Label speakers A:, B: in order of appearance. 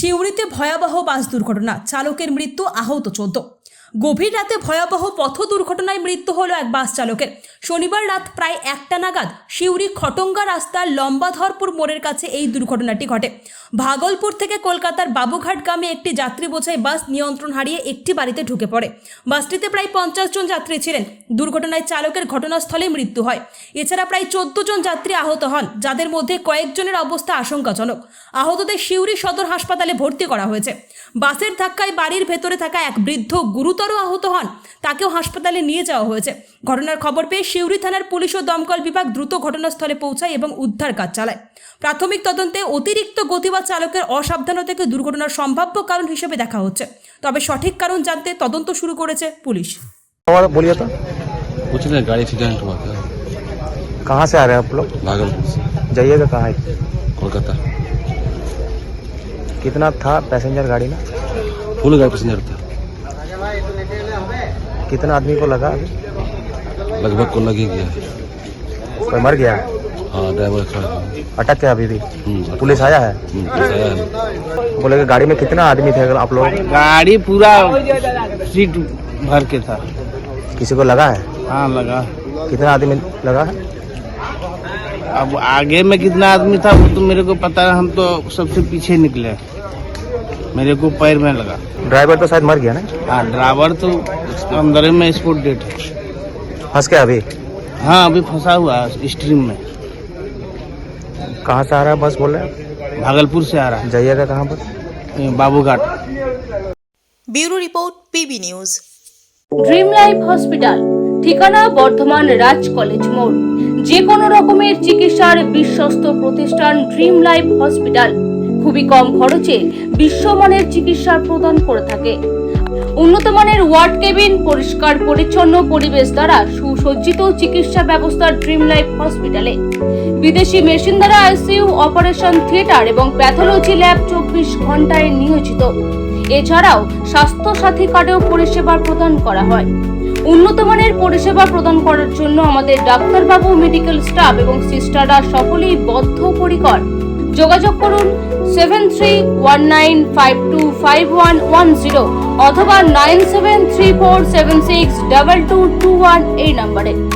A: সিউড়িতে ভয়াবহ বাস দুর্ঘটনা, চালকের মৃত্যু, আহত 14। গভীর রাতে ভয়াবহ পথ দুর্ঘটনায় মৃত্যু হলো এক বাস চালকের। শনিবার রাত প্রায় 1টা নাগাদ সিউড়ি খটঙ্গা রাস্তার লম্বাধরপুর মোড়ের কাছে এই দুর্ঘটনাটি ঘটে। ভাগলপুর থেকে কলকাতার বাবুঘাটগামী একটি যাত্রী বোঝাই বাস নিয়ন্ত্রণ হারিয়ে একটি বাড়িতে ঢুকে পড়ে। বাসটিতে প্রায় 50 জন যাত্রী ছিলেন। দুর্ঘটনায় চালকের ঘটনাস্থলেই মৃত্যু হয়। এছাড়া প্রায় 14 জন যাত্রী আহত হন, যাদের মধ্যে কয়েকজনের অবস্থা আশঙ্কাজনক। আহতদের সিউড়ি সদর হাসপাতালে ভর্তি করা হয়েছে। বাসের ধাক্কায় বাড়ির ভেতরে থাকা এক বৃদ্ধ গুরুতর আহত হন, তাকেও হাসপাতালে নিয়ে যাওয়া হয়েছে। ঘটনার খবর পেয়ে সিউড়ি থানার পুলিশ ও দমকল বিভাগ দ্রুত ঘটনাস্থলে পৌঁছায় এবং উদ্ধার কাজ চালায়। প্রাথমিক তদন্তে অতিরিক্ত গতি বা চালকের অসাবধানতাকে দুর্ঘটনার সম্ভাব্য কারণ হিসেবে দেখা হচ্ছে, তবে সঠিক কারণ জানতে তদন্ত শুরু করেছে পুলিশ।
B: और बोलिए तो
C: कुछ नहीं, गाड़ी एक्सीडेंट हुआ था।
B: कहाँ से आ रहे हैं आप लोग?
C: भागलपुर से
B: जाइएगा कहाँ है?
C: कोलकाता।
B: कितना था पैसेंजर गाड़ी में?
C: फुल गाड़ी पैसेंजर था।
B: कितना आदमी को लगा अभी?
C: लगभग को लग ही गया है।
B: कोई मर गया?
C: हाँ, ड्राइवर खड़ा था।
B: अटक के अभी भी
C: अटक
B: पुलिस आया है?
C: पुलिस आया है।
B: बोले कि गाड़ी में कितना आदमी थे आप लोग?
D: गाड़ी पूरा सीट भर के था।
B: किसी को लगा है?
D: हाँ लगा।
B: कितना आदमी लगा है?
D: अब आगे में कितना आदमी था वो तो मेरे को पता है, हम तो सबसे पीछे निकले, मेरे को पैर में लगा।
B: ड्राइवर तो शायद मर गया ना?
D: हाँ ड्राइवर तो अंदर में स्पॉट डेट है।
B: फंस गया अभी?
D: हाँ अभी फंसा हुआ है स्ट्रीम में।
B: कहाँ से आ रहा है बस बोल रहे हैं?
D: भागलपुर से आ रहा
B: जाइएगा कहाँ पर?
D: है Babughat.
E: Bureau report PB news.
F: Dream life hospital, ঠিকানা বর্ধমান রাজ কলেজ মোড়। যে কোনো রকমের চিকিৎসার বিশ্বস্ত প্রতিষ্ঠান ড্রিম লাইফ হসপিটাল খুবই কম খরচে বিশ্বমানের চিকিৎসা প্রদান করে থাকে। উন্নত মানের ওয়ার্ড কেবিন, পরিষ্কার পরিচ্ছন্ন পরিবেশ দ্বারা সুসজ্জিত চিকিৎসা ব্যবস্থা ড্রিম লাইফ হসপিটালে। বিদেশি মেশিন দ্বারা আইসিইউ, অপারেশন থিয়েটার এবং প্যাথোলজি ল্যাব 24 ঘন্টায় নিয়োজিত। এছাড়াও স্বাস্থ্য সাথী কার্ডেও পরিষেবা প্রদান করা হয়। উন্নত মানের পরিষেবা প্রদান করার জন্য আমাদের ডাক্তারবাবু, মেডিকেল স্টাফ এবং সিস্টাররা সকলেই বদ্ধপরিকর। যোগাযোগ করুন 7319525110 অথবা 9734762221 এই নম্বরে।